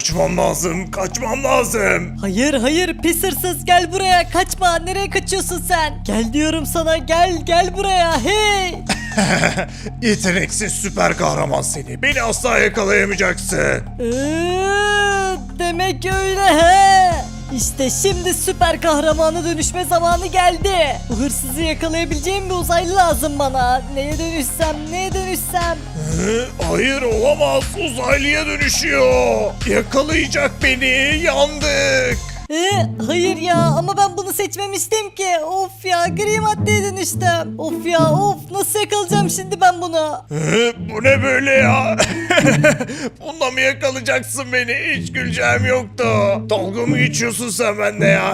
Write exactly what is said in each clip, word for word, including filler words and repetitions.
Kaçmam lazım, kaçmam lazım. Hayır hayır pis hırsız gel buraya kaçma nereye kaçıyorsun sen? Gel diyorum sana gel gel buraya hey. Yeteneksiz süper kahraman seni. Beni asla yakalayamayacaksın. Iıı, demek öyle he. İşte şimdi süper kahramana dönüşme zamanı geldi. Bu hırsızı yakalayabileceğim bir uzaylı lazım bana. Neye dönüşsem neye dönüşsem. Hı? Hayır olamaz. Uzaylıya dönüşüyor. Yakalayacak beni. Yandık. Ee, hayır ya ama ben bunu seçmemiştim ki. Of ya gri maddeye dönüştüm. Of ya of nasıl yakalayacağım şimdi ben bunu? Hı? Bu ne böyle ya? Bununla mı yakalayacaksın beni? Hiç güleceğim yoktu. Dalga mı geçiyorsun sen bende ya?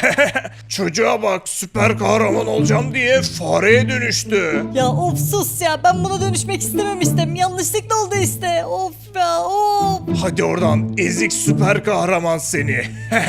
Çocuğa bak, süper kahraman olacağım diye fareye dönüştü. Ya of sus ya ben buna dönüşmek istememiştim. Yanlışlıkla oldu işte. Of ya of. Hadi oradan, ezik süper kahraman seni.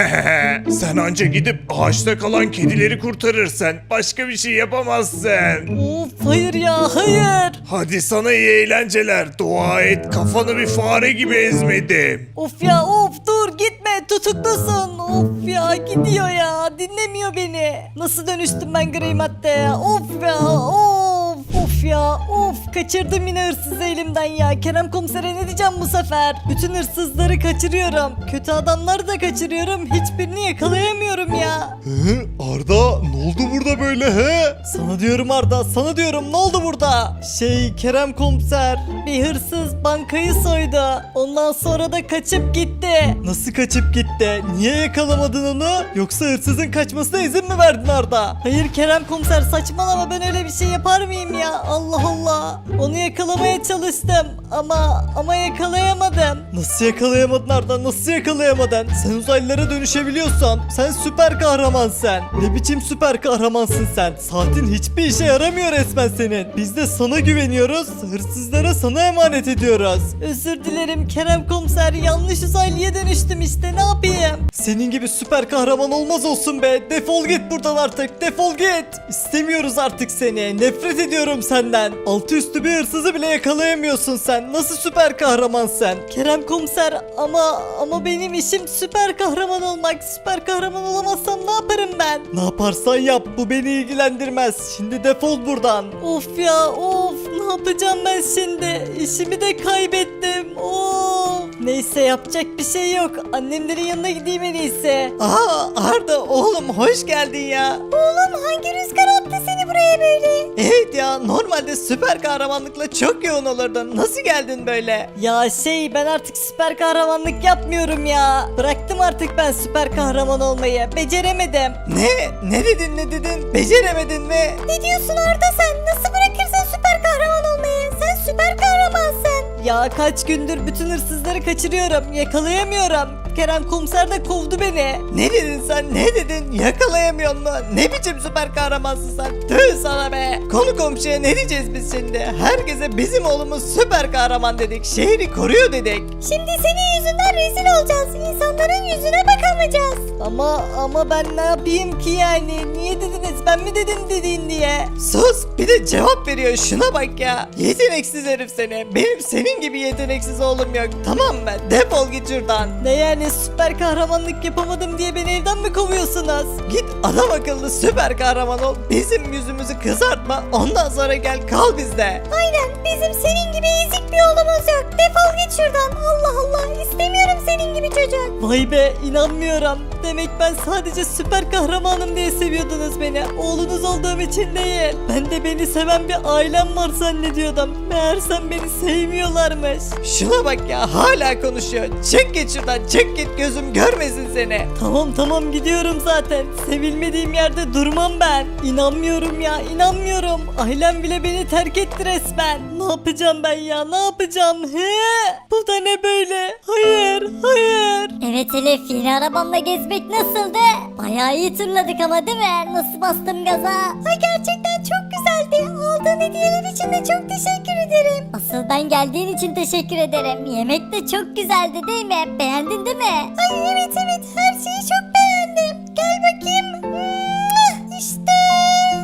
Sen anca gidip ağaçta kalan kedileri kurtarırsan başka bir şey yapamazsın. Of hayır ya hayır. Hadi sana iyi eğlenceler. Dua et, kafanı bir fare gibi ezmedim. Of ya of dur gitme tutuklusun. Of ya gidiyor ya dinlemiyor beni. Nasıl dönüştüm ben gri maddeye? Of ya of. Of ya of kaçırdım yine hırsızı elimden ya. Kerem komisere ne diyeceğim bu sefer? Bütün hırsızları kaçırıyorum. Kötü adamları da kaçırıyorum. Hiçbirini yakalayamıyorum ya. Hı, Arda ne oldu burada böyle he? Sana diyorum Arda sana diyorum ne oldu burada? Şey Kerem komiser bir hırsız bankayı soydu. Ondan sonra da kaçıp gitti. Nasıl kaçıp gitti? Niye yakalamadın onu? Yoksa hırsızın kaçmasına izin mi verdin Arda? Hayır Kerem komiser saçmalama ben öyle bir şey yapar mıyım ya? Allah Allah. Onu yakalamaya çalıştım ama ama yakalayamadım. Nasıl yakalayamadın Arda? Nasıl yakalayamadın? Sen uzaylılara dönüşebiliyorsan sen süper kahramansın. Ne biçim süper kahramansın sen? Saatin hiçbir işe yaramıyor resmen senin. Biz de sana güveniyoruz. Hırsızlara sana emanet ediyoruz. Özür dilerim Kerem komiser yanlış uzaylıya dönüştüm işte ne yapayım? Senin gibi süper kahraman olmaz olsun be. Defol git buradan artık. Defol git. İstemiyoruz artık seni. Nefret ediyorum senden. Altı üstü bir hırsızı bile yakalayamıyorsun sen. Nasıl süper kahraman sen? Kerem komiser ama ama benim işim süper kahraman olmak. Süper kahraman olamazsam ne yaparım ben? Ne yaparsan yap. Bu beni ilgilendirmez. Şimdi defol buradan. Of ya of ne yapacağım ben şimdi? İşimi de kaybettim. Of. Neyse yapacak bir şey yok. Annemlerin yanına gideyim en iyisi. Aa Arda oğlum hoş geldin ya. Oğlum hangi rüzgar attı seni buraya böyle? Evet ya normalde süper kahramanlıkla çok yoğun olurdun. Nasıl geldin böyle? Ya şey ben artık süper kahramanlık yapmıyorum ya. Bıraktım artık ben süper kahraman olmayı. Beceremedim. Ne? Ne dedin ne dedin? Beceremedin mi? Ne diyorsun Arda sen? Nasıl bırakırsın süper kahraman olmayı? Sen süper kahramansın. Ya kaç gündür bütün hırsızları kaçırıyorum. Yakalayamıyorum. Kerem komiser de kovdu beni. Ne dedin sen ne dedin yakalayamıyorsun mu? Ne biçim süper kahramansın sen? Tüh sana be. Konu komşuya ne diyeceğiz biz şimdi? Herkese bizim oğlumuz süper kahraman dedik. Şehri koruyor dedik. Şimdi senin yüzünden rezil olacağız. İnsanların yüzüne bakamayacağız. Ama ama ben ne yapayım ki yani? Niye dediniz? Ben mi dedim dediğin diye? Sus bir de cevap veriyor şuna bak ya. Yeteneksiz herif seni. Benim senin gibi yeteneksiz oğlum yok. Tamam mı? Defol git şuradan. Ne yani süper kahramanlık yapamadım diye beni evden mi kovuyorsunuz? Git adam akıllı süper kahraman ol. Bizim yüzümüzü kızartma. Ondan sonra gel kal bizde. Aynen bizim senin gibi ezik bir oğlumuz yok. Defol git şuradan. Allah Allah istemiyorum senin gibi çocuk. Vay be inanmıyorum. Demek ben sadece süper kahramanım diye seviyordunuz beni. Oğlunuz olduğum için değil. Ben de beni seven bir ailem var zannediyordum. Meğersem beni sevmiyorlarmış. Şuna bak ya hala konuşuyor. Çık git şuradan çık git gözüm görmesin seni. Tamam tamam gidiyorum zaten. Sevilmediğim yerde durmam ben. İnanmıyorum ya inanmıyorum. Ailem bile beni terk etti resmen. Ne yapacağım ben ya ne yapacağım? He? Bu da ne böyle? Hayır hayır. Evet Elif yeni arabamla gezmek nasıldı? Bayağı iyi turladık ama değil mi? Nasıl bastım gaza? Ay gerçekten çok güzeldi. Aldığın hediyeler için de çok teşekkür ederim. Asıl ben geldiğin için teşekkür ederim. Yemek de çok güzeldi değil mi? Beğendin değil mi? Ay evet evet her şeyi çok beğendim. Gel bakayım. İşte.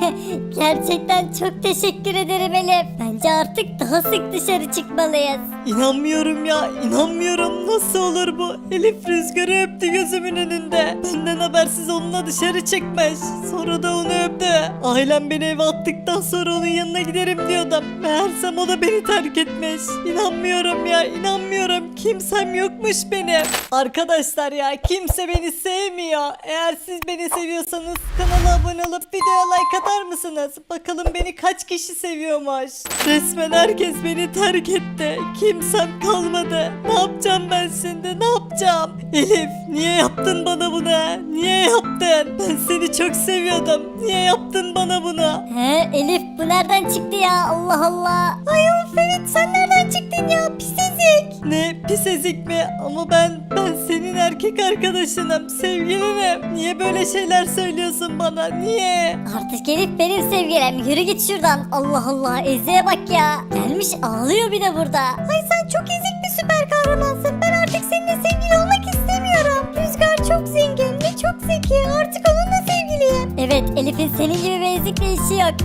Gerçekten çok teşekkür ederim Elif. Bence artık daha sık dışarı çıkmalıyız. İnanmıyorum ya, inanmıyorum. Nasıl olur bu? Elif Rüzgar'ı öptü gözümün önünde. Benden habersiz onunla dışarı çıkmış. Sonra da onu öptü. Ailem beni eve attıktan sonra onun yanına giderim diyordum. Meğersem o da beni terk etmiş. İnanmıyorum ya, inanmıyorum. Kimsem yokmuş benim. Arkadaşlar ya, kimse beni sevmiyor. Eğer siz beni seviyorsanız kanala abone olup videoya like atar mısınız? Bakalım beni kaç kişi seviyormuş. Resmen herkes beni terk etti. Kimsem kalmadı. Ne yapacağım ben şimdi? Ne yapacağım? Elif, niye yaptın bana bunu? Niye yaptın? Ben seni çok seviyordum. Niye yaptın bana bunu? He Elif, bu nereden çıktı ya? Allah Allah. Ay of evet, sen nereden çıktın ya? Pis ezik. Ne pis ezik mi? Ama ben ben senin erkek arkadaşınım, sevgilinim. Niye böyle şeyler söylüyorsun bana? Niye? Artık Elif benim sevgilim. Yürü git şuradan. Allah Allah, Ezi'ye bak ya. Gelmiş ağlıyor bir de burada. Ay sen çok ezik bir süper kahramansın. Ben artık seninle sevgili olmak istemiyorum. Rüzgar çok zengin ve çok zeki. Artık onunla sevgiliyim. Evet, Elif'in senin gibi bir ezikle işi yok.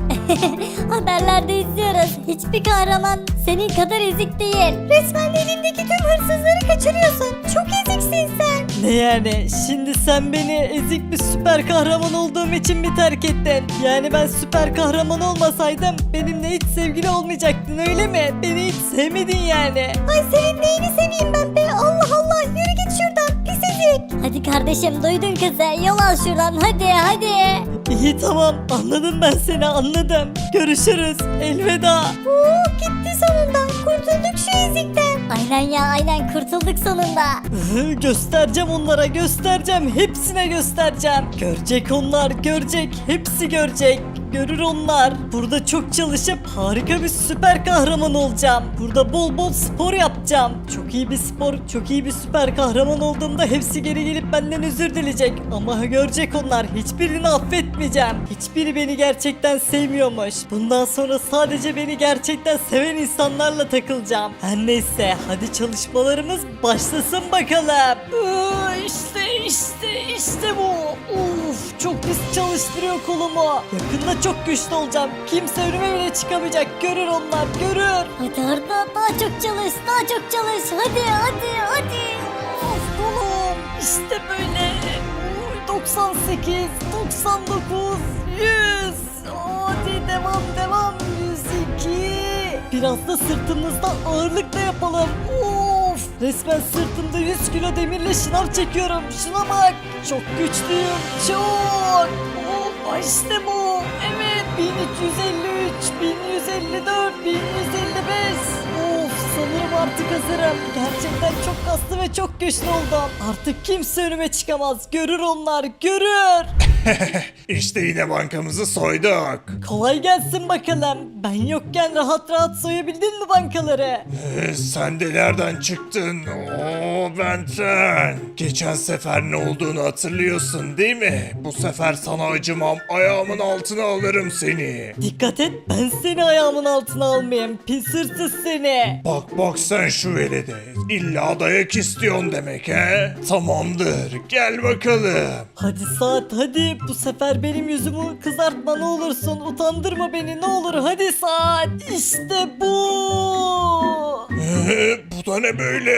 Haberlerde izliyoruz. Hiçbir kahraman senin kadar ezik değil. Resmen elindeki tüm hırsızları kaçırıyorsun. Çok eziksin sen. Ne yani? Şimdi sen beni ezik bir süper kahraman olduğum için mi terk ettin? Yani ben süper kahraman olmasaydım benimle hiç sevgili olmayacaktın, öyle mi? Beni hiç sevmedin yani. Ay senin neyini seveyim ben be? Allah Allah, yürü git şuradan pis ezik. Hadi kardeşim, duydun kızı, yol al şuradan, hadi hadi. İyi tamam, anladım ben seni, anladım. Görüşürüz, elveda. Oo, gitti sonunda, kurtulduk şu ezikten. Aynen ya, aynen kurtulduk sonunda. Hı, göstereceğim onlara, göstereceğim, hepsine göstereceğim. Görecek onlar, görecek, hepsi görecek. Görür onlar. Burada çok çalışıp harika bir süper kahraman olacağım. Burada bol bol spor yapacağım. Çok iyi bir spor, çok iyi bir süper kahraman olduğumda hepsi geri gelip benden özür dileyecek. Ama görecek onlar, hiçbirini affetmeyeceğim. Hiçbiri beni gerçekten sevmiyormuş. Bundan sonra sadece beni gerçekten seven insanlarla takılacağım. Her neyse, hadi çalışmalarımız başlasın bakalım. İşte işte işte bu. Uf, çok pis çalıştırıyor kolumu. Yakında çok güçlü olacağım. Kimse önüme bile çıkamayacak. Görür onlar, görür. Hadi Arda, daha çok çalış, daha çok çalış. Hadi hadi hadi. Of kolum. İşte böyle. Uy, doksan sekiz, doksan dokuz, yüz. Hadi devam devam. yüz iki. Biraz da sırtımızda ağırlık da yapalım. Of. Resmen sırtımda yüz kilo demirle şınav çekiyorum. Şuna bak. Çok güçlüyüm. Çok. Of, işte bu. Evet. bin üç yüz elli üç, bin yüz elli dört, bin yüz elli beş. Of, sanırım artık hazırım. Gerçekten çok kaslı ve çok güçlü oldum. Artık kimse önüme çıkamaz. Görür onlar, görür. İşte yine bankamızı soyduk. Kolay gelsin bakalım. Ben yokken rahat rahat soyabildin mi bankaları? Ee, sen de nereden çıktın? Oo Benten. Geçen sefer ne olduğunu hatırlıyorsun değil mi? Bu sefer sana acımam. Ayağımın altına alırım seni. Dikkat et, ben seni ayağımın altına almayayım. Pis hırsız seni. Bak bak sen şu velede. İlla dayak istiyorsun demek he? Tamamdır. Gel bakalım. Hadi Saat, hadi. Bu sefer benim yüzümü kızartma ne olursun. Utandırma beni ne olur. Hadi Saat. İşte bu. Ee, bu da ne böyle?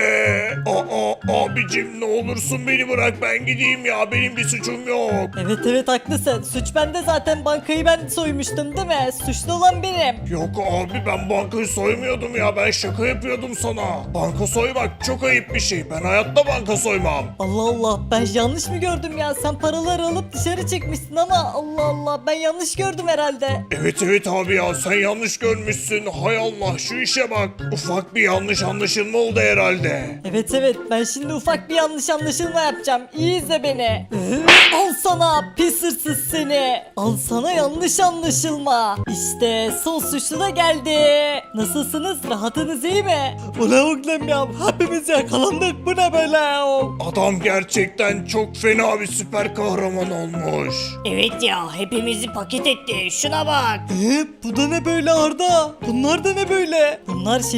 Aa abicim ne olursun beni bırak ben gideyim ya. Benim bir suçum yok. Evet evet haklısın. Suç bende zaten, bankayı ben soymuştum değil mi? Suçlu olan benim. Yok abi ben bankayı soymuyordum ya. Ben şaka yapıyordum sana. Banka soymak çok ayıp bir şey. Ben hayatta banka soymam. Allah Allah, ben yanlış mı gördüm ya? Sen paraları alıp dışarı çıkmışsın ama Allah Allah, ben yanlış gördüm herhalde. Evet evet abi ya sen yanlış görmüşsün. Hay Allah şu işe bak. Ufak bir yanlış anlaşılma oldu herhalde. Evet evet, ben şimdi ufak bir yanlış anlaşılma yapacağım. İyi izle beni. Al sana pis hırsız seni. Al sana yanlış anlaşılma. İşte son suçlu da geldi. Nasılsınız? Rahatınız iyi mi? Ulan oğlum ya, hepimiz yakalandık. Bu ne böyle? Adam gerçekten çok fena bir süper kahraman olmuş. Evet ya, hepimizi paket etti. Şuna bak. Ee, bu da ne böyle Arda? Bunlar da ne böyle? Bunlar şehirdeki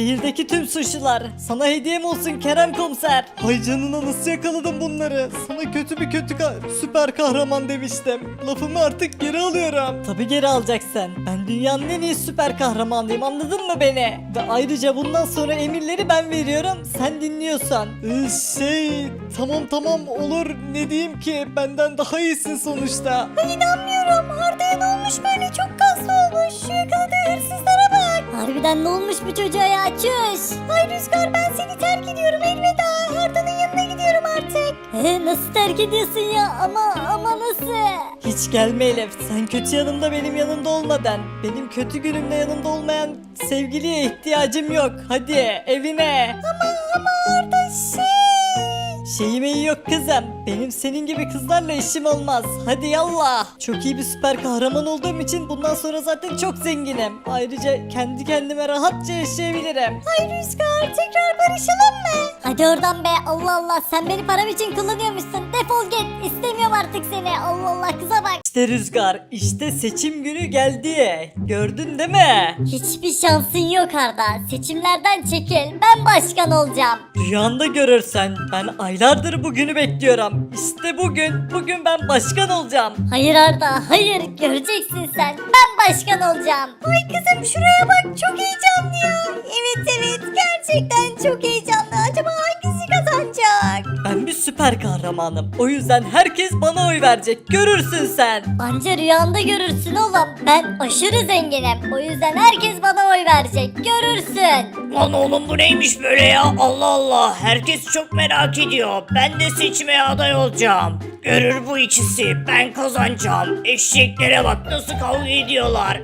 Gitti tüm suçlular. Sana hediyem olsun Kerem komiser. Hay canına nasıl yakaladım bunları? Sana kötü bir kötü ka- süper kahraman demiştim. Lafımı artık geri alıyorum. Tabi geri alacaksın. Ben dünyanın en iyi süper kahramanıyım, anladın mı beni? Ve ayrıca bundan sonra emirleri ben veriyorum, sen dinliyorsun. Ee, şey tamam tamam olur, ne diyeyim ki, benden daha iyisin sonuçta. İnanmıyorum. Arda'ya ne olmuş böyle? Çok kaslı olmuş. Şu yakaladığı hırsızlara bak. Harbiden ne olmuş bu çocuğa ya? Çüş. Ay Rüzgar, ben seni terk ediyorum. Elveda. Arda'nın yanına gidiyorum artık. Ee, nasıl terk ediyorsun ya? Ama ama nasıl? Hiç gelme Elif, sen kötü yanımda benim yanımda olmadan, benim kötü günümde yanımda olmayan sevgiliye ihtiyacım yok. Hadi evine. Ama ama Arda şey... Şeyim iyi yok kızım. Benim senin gibi kızlarla işim olmaz. Hadi yallah. Çok iyi bir süper kahraman olduğum için bundan sonra zaten çok zenginim. Ayrıca kendi kendime rahatça yaşayabilirim. Ay Rüzgar, tekrar barışalım mı? Hadi oradan be, Allah Allah, sen beni param için kullanıyormuşsun. Defol git, istemiyorum artık seni. Allah Allah, kıza bak. İşte Rüzgar, işte seçim günü geldi. Gördün değil mi? Hiçbir şansın yok Arda. Seçimlerden çekil, ben başkan olacağım. Rüyanda görürsen, ben aylardır bugünü bekliyorum. İşte bugün, bugün ben başkan olacağım. Hayır Arda, hayır, göreceksin sen. Ben başkan olacağım. Ay kızım, şuraya bak, çok heyecanlı ya. Evet evet, gerçekten çok heyecanlı. Acaba hangisi kazanacak? Ben bir süper kahramanım. O yüzden herkes bana oy verecek. Görürsün sen. Anca rüyanda görürsün oğlum. Ben aşırı zenginim. O yüzden herkes bana oy verecek. Görürsün. Lan oğlum bu neymiş böyle ya? Allah Allah. Herkes çok merak ediyor. Ben de seçmeye aday olacağım. Görür bu ikisi. Ben kazanacağım. Eşeklere bak nasıl kavga ediyorlar.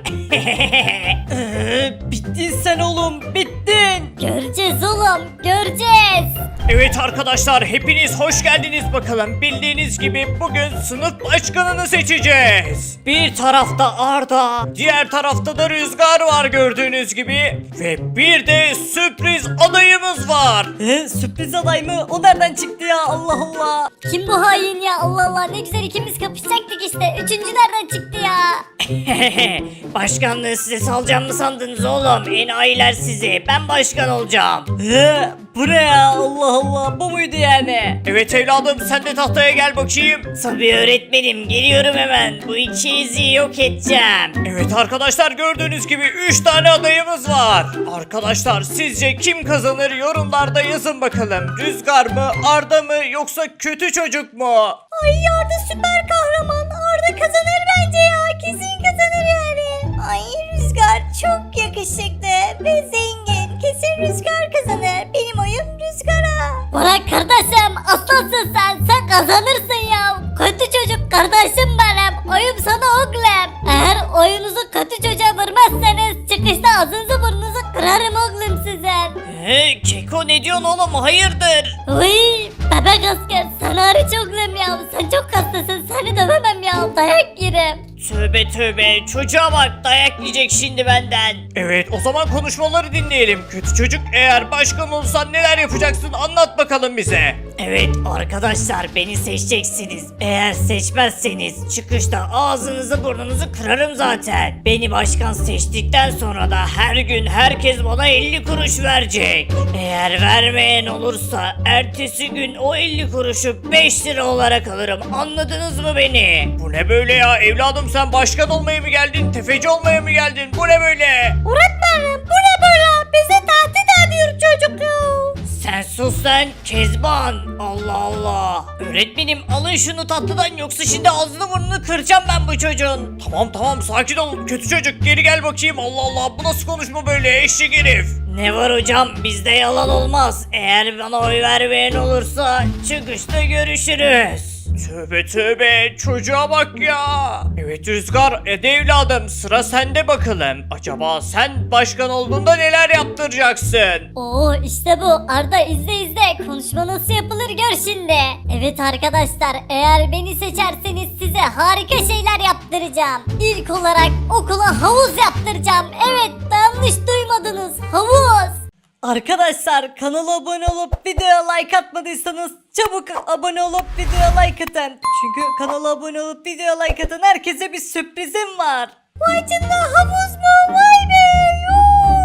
Ee, bittin sen oğlum, bittin. Göreceğiz oğlum, göreceğiz. Evet arkadaşlar hepiniz hoş geldiniz bakalım. Bildiğiniz gibi bugün sınıf başkanını seçeceğiz. Bir tarafta Arda, diğer tarafta da Rüzgar var gördüğünüz gibi. Ve bir de sürpriz adayımız var. Ee, sürpriz aday mı? O nereden çıktı ya? Allah Allah. Kim bu hain ya? Allah Allah, ne güzel ikimiz kapışacaktık işte. Üçüncü nereden çıktı ya? Başkanlığı size salacağım mı sandınız oğlum? Enayiler sizi. Ben başkan olacağım. Ee, bu ne ya? Allah Allah. Bu muydu yani? Evet evladım sen de tahtaya gel bakayım. Tabii öğretmenim geliyorum hemen. Bu ikinizi yok edeceğim. Evet arkadaşlar gördüğünüz gibi üç tane adayımız var. Arkadaşlar sizce kim kazanır yorumlarda yazın bakalım. Rüzgar mı, Arda mı yoksa kötü çocuk mu? Ay Arda süper kahraman. Arda kazanır bence ya. Kesin kazanır yani. Ay Rüzgar çok yakışıklı ve zengin. Kesin Rüzgar kazanır. Benim oyum Rüzgar'a. Bırak kardeşim, aslansın sen. Sen kazanırsın ya. Kötü çocuk kardeşim benim. Oyum sana oğlum. Eğer oyunuzu kötü çocuğa vermezseniz çıkışta ağzınızı burnunuzu kırarım oğlum sizin. He Keko ne diyorsun oğlum hayırdır? Uy bebek asker, sen hariç oğlum ya. Sen çok hastasın, seni dövemem ya. Dayak yerim. Tövbe tövbe çocuğa bak dayak yiyecek şimdi benden. Evet o zaman konuşmaları dinleyelim. Kötü çocuk eğer başkan olsan neler yapacaksın anlat bakalım bize. Evet arkadaşlar beni seçeceksiniz. Eğer seçmezseniz çıkışta ağzınızı burnunuzu kırarım zaten. Beni başkan seçtikten sonra da her gün herkes bana elli kuruş verecek. Eğer vermeyen olursa ertesi gün o elli kuruşu beş lira olarak alırım. Anladınız mı beni? Bu ne böyle ya evladım sen başkan olmaya mı geldin? Tefeci olmaya mı geldin? Bu ne böyle? Öğretmenim bu ne böyle? Bize tahdit ediyor çocuk ya. Sen sus lan Kezban. Allah Allah. Öğretmenim alın şunu tatlıdan yoksa şimdi ağzını burnunu kıracağım ben bu çocuğun. Tamam tamam sakin ol kötü çocuk geri gel bakayım. Allah Allah bu nasıl konuşma böyle eşek herif. Ne var hocam bizde yalan olmaz. Eğer bana oy vermeyen olursa çıkışta görüşürüz. Tövbe tövbe çocuğa bak ya. Evet Rüzgar ede evladım sıra sende bakalım. Acaba sen başkan olduğunda neler yaptıracaksın? Oo işte bu. Arda izle izle. Konuşma nasıl yapılır gör şimdi. Evet arkadaşlar, eğer beni seçerseniz size harika şeyler yaptıracağım. İlk olarak okula havuz yaptıracağım. Evet, yanlış duymadınız. Havuz. Arkadaşlar kanala abone olup videoya like atmadıysanız çabuk abone olup videoya like atın. Çünkü kanala abone olup videoya like atan herkese bir sürprizim var. Vay canına, havuz mu? Vay be. Yoo.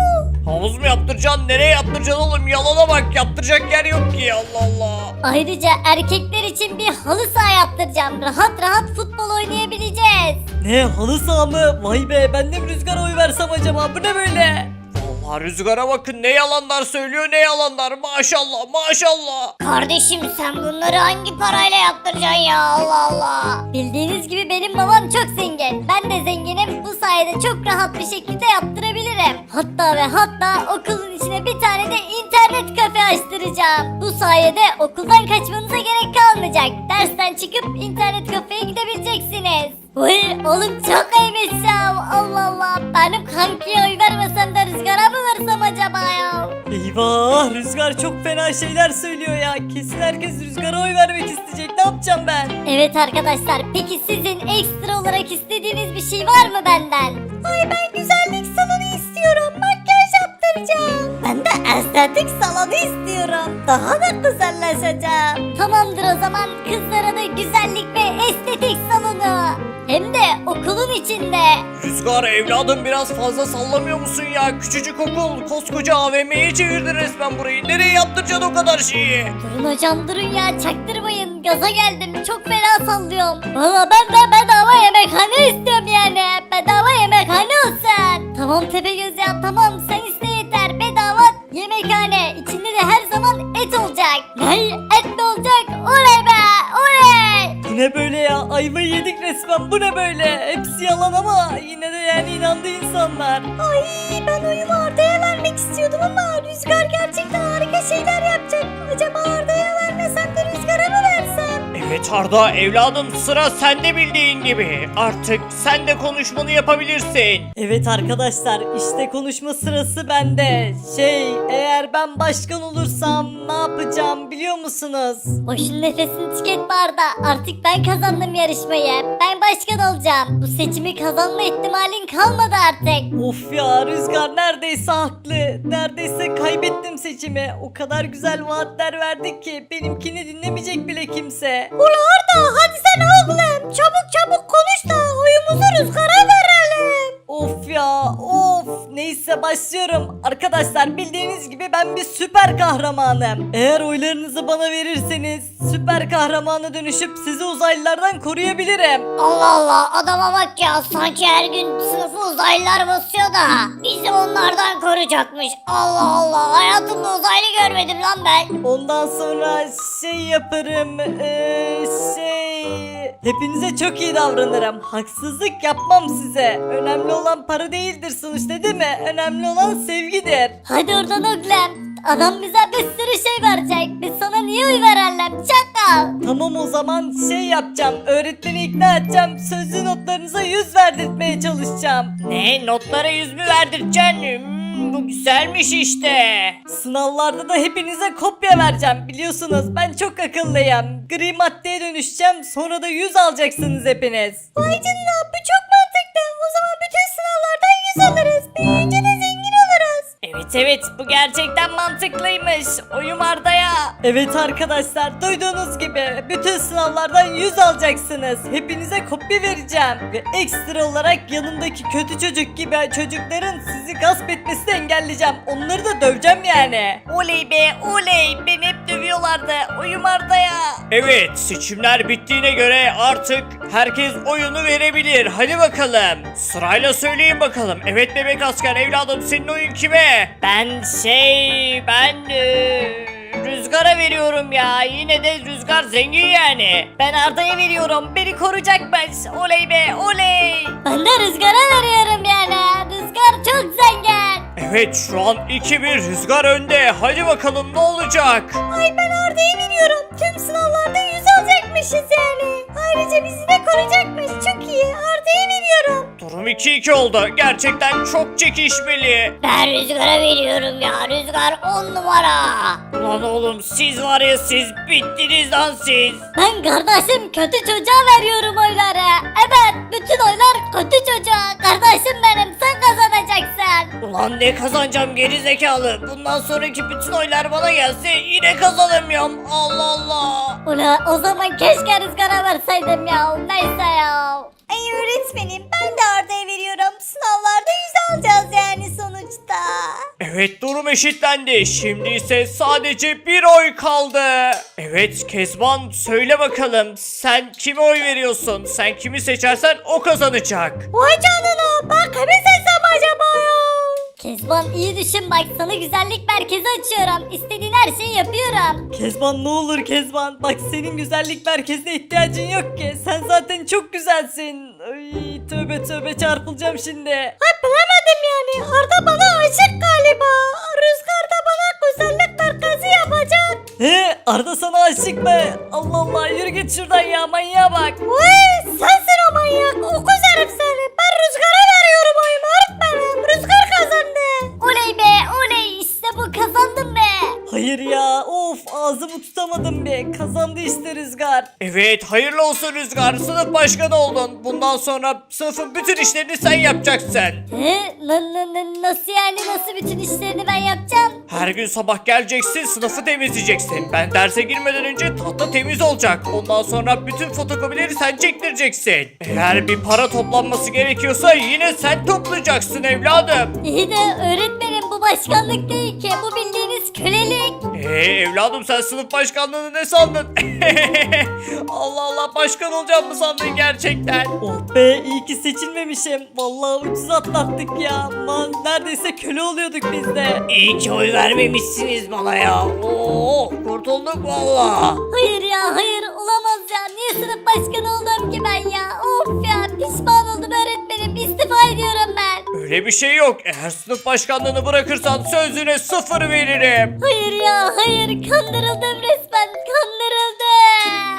Havuz mu yaptıracaksın? Nereye yaptıracaksın oğlum? Yalana bak, yaptıracak yer yok ki, Allah Allah. Ayrıca erkekler için bir halı saha yaptıracağım. Rahat rahat futbol oynayabileceğiz. Ne halı saha mı? Vay be ben de mi Rüzgar'a oy versem acaba? Bu ne böyle? Allah, Rüzgar'a bakın, ne yalanlar söylüyor, ne yalanlar, maşallah maşallah. Kardeşim sen bunları hangi parayla yaptıracaksın ya, Allah Allah. Bildiğiniz gibi benim babam çok zengin. Ben de zenginim, bu sayede çok rahat bir şekilde yaptırabilirim. Hatta ve hatta okulun içine bir tane de internet kafe açtıracağım. Bu sayede okuldan kaçmanıza gerek kalmayacak. Dersten çıkıp internet kafeye gidebileceksiniz. Uy oğlum çok iyiymiş ya, Allah Allah. Benim kankiye oy vermesem de Rüzgar'a mı versem acaba ya? Eyvah Rüzgar çok fena şeyler söylüyor ya. Kesin herkes Rüzgar'a oy vermek isteyecek. Ne yapacağım ben? Evet arkadaşlar, peki sizin ekstra olarak istediğiniz bir şey var mı benden? Ay ben güzellik salonu istiyorum, makyaj yaptıracağım. Ben de estetik salonu istiyorum, daha da güzelleşeceğim. Tamamdır o zaman, kızlara da güzellik ve estetik salonu. Hem de okulun içinde. Rüzgar evladım, biraz fazla sallamıyor musun ya? Küçücük okul, koskoca A V M'ye çevirdin resmen burayı. Nereye yaptıracaksın o kadar şeyi? Durun hocam durun ya, çaktırmayın, gaza geldim, çok fena sallıyorum. Valla ben de bedava yemekhane istiyorum yani, bedava yemekhane olsun. Tamam Tepegöz ya, tamam sen iste yeter, bedava yemekhane, içinde de her zaman et olacak. Ne et mi olacak? Oley be oley. Bu ne böyle ya? Ayvayı yedik resmen. Bu ne böyle? Hepsi yalan ama yine de yani inandı insanlar. Ay ben oyumu Arda'ya vermek istiyordum ama Rüzgar gerçekten harika şeyler yapacak. Acaba Arda'ya vermesem de Rüzgar'a mı versem? Evet Arda evladım, sıra sende bildiğin gibi. Artık sen de konuşmanı yapabilirsin. Evet arkadaşlar işte konuşma sırası bende. Şey eğer ben başkan olursam ne yapacağım biliyor musunuz? Boşun nefesini tüketme Arda. Artık ben kazandım yarışmayı. Ben başkan olacağım. Bu seçimi kazanma ihtimalin kalmadı artık. Of ya Rüzgar neredeyse haklı. Neredeyse kaybettim seçimi. O kadar güzel vaatler verdik ki benimkini dinlemeyecek bile kimse. Ula Arda hadi sen oğlum. Çabuk çabuk konuş da oyumuzu Rüzgar'a verelim. Of ya of. Neyse başlıyorum. Arkadaşlar bildiğiniz gibi ben bir süper kahramanım. Eğer oylarınızı bana verirseniz süper kahramana dönüşüp sizi uzaylılardan koruyabilirim. Allah Allah adama bak ya, sanki her gün sınıfı uzaylılar basıyor da bizi onlardan koruyacakmış. Allah Allah, hayatımda uzaylı görmedim lan ben. Ondan sonra şey yaparım. Eee şey... Hepinize çok iyi davranırım. Haksızlık yapmam size. Önemli olan para değildir sonuçta değil mi? Önemli olan sevgidir. Hadi oradan oğlum. Adam bize bir sürü şey verecek. Biz sana niye oy verelim çakal? Tamam o zaman şey yapacağım. Öğretmeni ikna edeceğim. Sözlü notlarınıza yüz verdirtmeye çalışacağım. Ne, notlara yüz mü verdireceksin? Hmm, bu güzelmiş işte. Sınavlarda da hepinize kopya vereceğim. Biliyorsunuz ben çok akıllıyım. Gri maddeye dönüşeceğim. Sonra da yüz alacaksınız hepiniz. Vay canına, bu çok mantıklı. O zaman bütün sınavlardan yüz alırız. Büyüyünce de zengin oluruz. Evet evet bu gerçekten mantıklıymış. Oyum Arda'ya. Evet arkadaşlar duyduğunuz gibi bütün sınavlardan yüz alacaksınız. Hepinize kopya vereceğim. Ve ekstra olarak yanımdaki kötü çocuk gibi çocukların sizi gasp etmesini engelleyeceğim. Onları da döveceğim yani. Oley be oley. Beni hep dövüyorlardı. Oyum Arda'ya. Evet, seçimler bittiğine göre artık herkes oyunu verebilir. Hadi bakalım. Sırayla söyleyin bakalım. Evet bebek asker evladım, senin oyun kime? Ben şey ben e, Rüzgar'a veriyorum ya. Yine de Rüzgar zengin yani. Ben Arda'ya veriyorum. Beni koruyacakmış. Oley be oley. Ben de Rüzgar'a veriyorum yani. Rüzgar çok zengin. Evet, şu an iki bir Rüzgar önde. Hadi bakalım ne olacak? Ay ben Arda'ya veriyorum. Tüm sınavlarda yüz alacakmışız yani. Ayrıca bizi de koruyacakmış. Çok iyi. Arda'ya veriyorum. Durum iki iki oldu. Gerçekten çok çekişmeli. Ben Rüzgar'a veriyorum ya. Rüzgar on numara. Lan oğlum, siz var ya, siz bittiniz lan siz. Ben kardeşim kötü çocuğa veriyorum oyları. Evet bütün oylar kötü çocuğa. Kardeşim benim, sen kazanacaksın. Ulan ne kazanacağım geri zekalı. Bundan sonraki bütün oylar bana gelse yine kazanamıyorum. Allah Allah. Ula o zaman keşke Rüzgar'a verseydim ya. Neyse ya. Ay öğretmenim ben de Arda'ya veriyorum. Sınavlarda yüz alacağız yani sonuçta. Evet, durum eşitlendi. Şimdi ise sadece bir oy kaldı. Evet Kezban, söyle bakalım sen kime oy veriyorsun? Sen kimi seçersen o kazanacak. Vay canına, ben kimi seçsem acaba ya? Kezban iyi düşün bak, sana güzellik merkezi açıyorum. İstediğin her şeyi yapıyorum. Kezban ne olur Kezban. Bak senin güzellik merkezine ihtiyacın yok ki. Sen zaten çok güzelsin. Ay, tövbe tövbe çarpılacağım şimdi. Ay bilemedim yani, Arda bana aşık galiba. Rüzgar da bana güzellik merkezi yapacak. He Arda sana aşık mı? Allah Allah yürü git şuradan ya, manyağa bak. Vay sensin o manyak, o güzelim seni. Ben Rüzgar'a veriyorum oyumu öğretmenim. Rüzgar kazandı. Oley be oley, işte bu, kazandım be. Hayır ya, of ağzımı tutamadım be. Kazandı işte Rüzgar. Evet, hayırlı olsun Rüzgar, sınıf başkanı oldun. Bundan sonra sınıfın bütün işlerini sen yapacaksın. He? N- n- n- nasıl yani, nasıl bütün işlerini ben yapacağım? Her gün sabah geleceksin, sınıfı temizleyeceksin. Ben derse girmeden önce tahta temiz olacak. Ondan sonra bütün fotokopileri sen çektireceksin. Eğer bir para toplanması gerekiyorsa yine sen toplayacaksın evladım. İyi de öğretmenim, bu başkanlık değil ki, bu bildiğiniz kölelik. Eee evladım, sen sınıf başkanlığını ne sandın? Allah Allah, başkan olacağım mı sandın gerçekten? Oh be, iyi ki seçilmemişim. Vallahi ucuz atlattık ya. Lan neredeyse köle oluyorduk biz de. İyi ki oy vermemişsiniz bana ya. Oo, kurtulduk valla. Hayır ya hayır, olamaz ya, niye sınıf başkanı oldum ki ben ya? Of ya, pişman oldum öğretmenim, istifa ediyorum ben. Öyle bir şey yok. Eğer sınıf başkanlığını bırakırsan sözüne sıfır veririm. Hayır ya hayır, kandırıldım resmen, kandırıldım.